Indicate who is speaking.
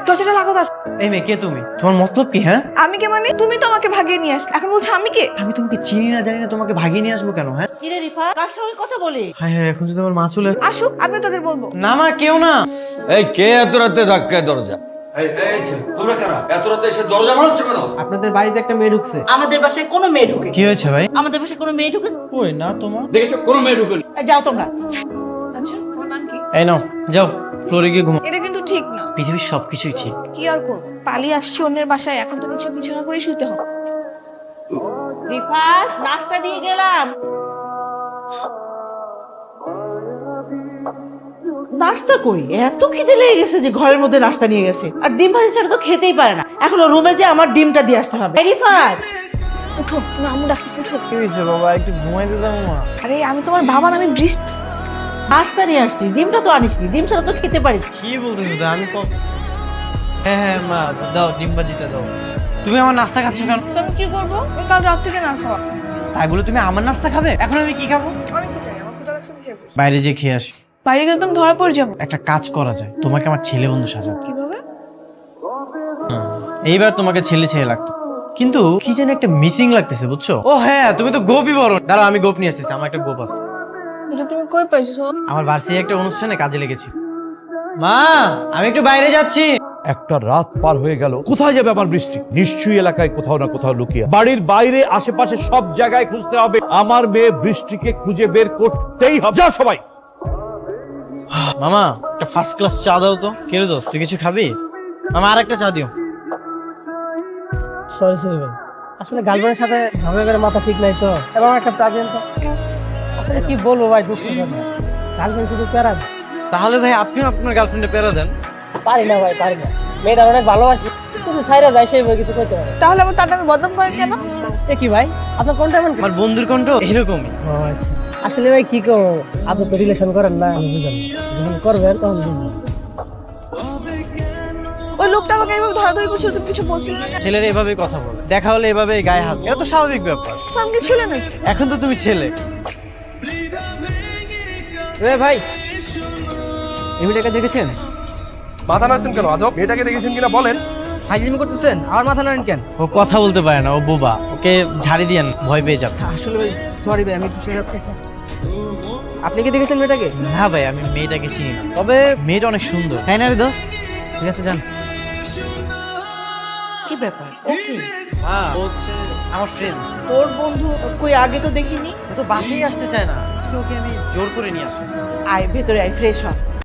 Speaker 1: দরজাটা লাগো তার।
Speaker 2: এই মেয়ে, কে তুমি? তোমার মতলব কি? হ্যাঁ,
Speaker 1: আমি কে মানে? তুমি তো আমাকে ভাগিয়ে নিয়ে আসলে, এখন বলছো আমি কে?
Speaker 2: আমি তোমাকে চিনি না জানি না, তোমাকে ভাগিয়ে নিয়ে আসবো কেন? হ্যাঁ
Speaker 3: কিরে রিফা, কার সঙ্গে কথা বলি?
Speaker 2: হ্যাঁ হ্যাঁ, এখন যদি আমার মা চলে
Speaker 1: আসুক, আমি তোদের বলবো।
Speaker 2: না মা, কেউ না।
Speaker 4: এই কে এত রাতে ধাক্কায় দরজা? এই ছেলে, তোমরা কারা? এত রাতে এসে দরজা ভাঙছো কেন?
Speaker 5: আপনাদের বাড়িতে একটা মেয়ে ঢুকছে।
Speaker 3: আমাদের বাসায় কোনো মেয়ে ঢুকে?
Speaker 2: কি হয়েছে ভাই?
Speaker 3: আমাদের বাসায় কোনো মেয়ে ঢুকেছে?
Speaker 2: কই না তোমার।
Speaker 4: দেখেছো কোনো মেয়ে ঢুকেনি?
Speaker 3: যাও তোমরা।
Speaker 1: আচ্ছা, তোমার নাম কি?
Speaker 2: এই নাও, যাও ফ্লোরে গিয়ে ঘুমাও।
Speaker 1: এটা কিন্তু ঠিক না।
Speaker 2: পৃথিবীর সবকিছুই ঠিক।
Speaker 1: কি আর করবো, পালিয়ে আসছি অন্যের বাসায়, এখন তো নিচে বিছানা করে শুতে হবে।
Speaker 3: রিফা, নাস্তা দিয়ে গেলাম। নাস্তা কই? এত খিদে লেগে গেছে যে ঘরের মধ্যে নাস্তা নিয়ে গেছে। আর ডিম ভাজি ছাড়া তো খেতেই পারে না। এখন রুমে যে আমার ডিমটা দিয়ে আসতে হবে। রিফা,
Speaker 1: উঠো, তোমার আম্মু ডাকছিস, উঠো।
Speaker 2: কি হয়েছে বাবা? একটু ঘুমাইতে দাও মা।
Speaker 1: আরে আমি তোমার বাবা না, আমি বৃষ্টি।
Speaker 3: নাস্তা নিয়ে আসছি, ডিমটা তো আনিসনি। ডিম ছাড়া তো খেতে পারিস।
Speaker 2: কি বলতেছো? আমি হ্যাঁ হ্যাঁ মা, দাও ডিম ভাজিটা দাও। তুমি আমার নাস্তা খাচ্ছ কেন?
Speaker 1: তো আমি কি করবো? ওই কাল রাত থেকে না খাওয়া।
Speaker 2: তাই বলে তুমি আমার নাস্তা খাবে? এখন আমি কি খাবো?
Speaker 1: অনেক কিছু জানি, আমার ক্ষুধা লাগছে, আমি খেয়ে বসি।
Speaker 2: বাইরে যে খেয়ে আসি।
Speaker 1: বাইরে গেলে তুমি ধরা পড়ে যাবো।
Speaker 2: একটা কাজ করা যায়, তোমাকে আমার ছেলে বন্ধু সাজাতে।
Speaker 1: কিভাবে?
Speaker 2: এইবার তোমাকে ছেলে ছেলে লাগতো, কিন্তু কি যেন একটা মিসিং লাগতেছে, বুঝছো? ও হ্যাঁ, তুমি তো গোপই বড়। দাঁড়াও, আমি গোপ নিয়ে আসতেছি। আমার একটা গোপ আছে।
Speaker 1: এটা তুমি কই পাইছো?
Speaker 2: আমার ভার্সিটি একটা অনুষ্ঠানে কাজে লেগেছি। মা, আমি একটু বাইরে যাচ্ছি।
Speaker 6: একটা রাত পার হয়ে গেল, কোথায় যাবে আমার বৃষ্টি? নিশ্চয়ই এলাকায় কোথাও না কোথাও লুকিয়ে। বাড়ির বাইরে আশেপাশে সব জায়গায় খুঁজতে হবে। আমার মেয়ে বৃষ্টিকে খুঁজে বের করতেই হবে। যাও সবাই।
Speaker 2: মামা, একটা ফার্স্ট ক্লাস চা দাও তো। কে রে দোস্ত, তুই কিছু খাবি? মামা আর একটা চা দিও।
Speaker 5: সরি সরি ভাই, আসলে গার্লফ্রেন্ডের সাথে ঝগড়া করে মাথা ঠিক নাই তো, এবং একটা প্রাজেন্ট তো। আসলে কি বলবো ভাই, দুঃখ করে গার্লফ্রেন্ড শুধু প্যারা দেয়।
Speaker 2: তাহলে ভাই আপনিও আপনার গার্লফ্রেন্ডে পেরা দেন।
Speaker 5: পারি না ভাই, পারি না। মেয়েটা অনেক ভালোবাসি, কিন্তু সাইরা যায় সেই কিছু করতে পারে।
Speaker 1: তাহলে আবার তার নামে বদনাম করেন কেন?
Speaker 5: এ কি ভাই, আপনার কোনটা এমন?
Speaker 2: আমার বন্ধুর কণ্ঠ এরকমই।
Speaker 5: ও আচ্ছা, আসলে ভাই কি করবো, আপনি তো রিলেশন করেন না, আমি বুঝলাম না। যখন করবেন তখন বুঝবেন।
Speaker 1: ওই লোকটা আমাকে এইভাবে ধরাধরি করছিল, তুমি কিছু বলছিলে না কেন?
Speaker 2: ছেলেরা এভাবে কথা বলে, দেখা হলে এভাবে গায়ে হাত, এটা তো স্বাভাবিক ব্যাপার।
Speaker 1: তো আমি কি ছিলে নাকি?
Speaker 2: এখন তো তুমি ছেলে।
Speaker 5: ভাই, এই মেয়েটাকে দেখেছেন?
Speaker 7: মাথা নাড়ছেন কেন? আজব, মেয়েটাকে দেখেছেন কিনা বলেন।
Speaker 5: ফাইজলামি করতেছেন, আমার মাথা নাড়েন কেন?
Speaker 2: ও কথা বলতে পারে না, ও বোবা। ওকে ঝাড়ি দিয়েন, ভয় পেয়ে যাবে।
Speaker 5: আসলে ভাই সরি ভাই, আমি কিছু আপনি কি দেখেছেন মেয়েটাকে?
Speaker 2: না ভাই, আমি মেয়েটাকে চিনি না, তবে মেয়েটা অনেক সুন্দর, তাই না রে দোস্ত?
Speaker 5: ঠিক আছে, যান।
Speaker 3: কি ব্যাপার? ওকে,
Speaker 2: হ্যাঁ, ও হচ্ছে আমার ফ্রেন্ড।
Speaker 3: তোর বন্ধু? কই আগে তো দেখিনি।
Speaker 2: ও তো বাসায় আসতে চায় না, আজকে ওকে আমি জোর করে নিয়ে আসি।
Speaker 3: আয় ভেতরে আয়, ফ্রেশ হ।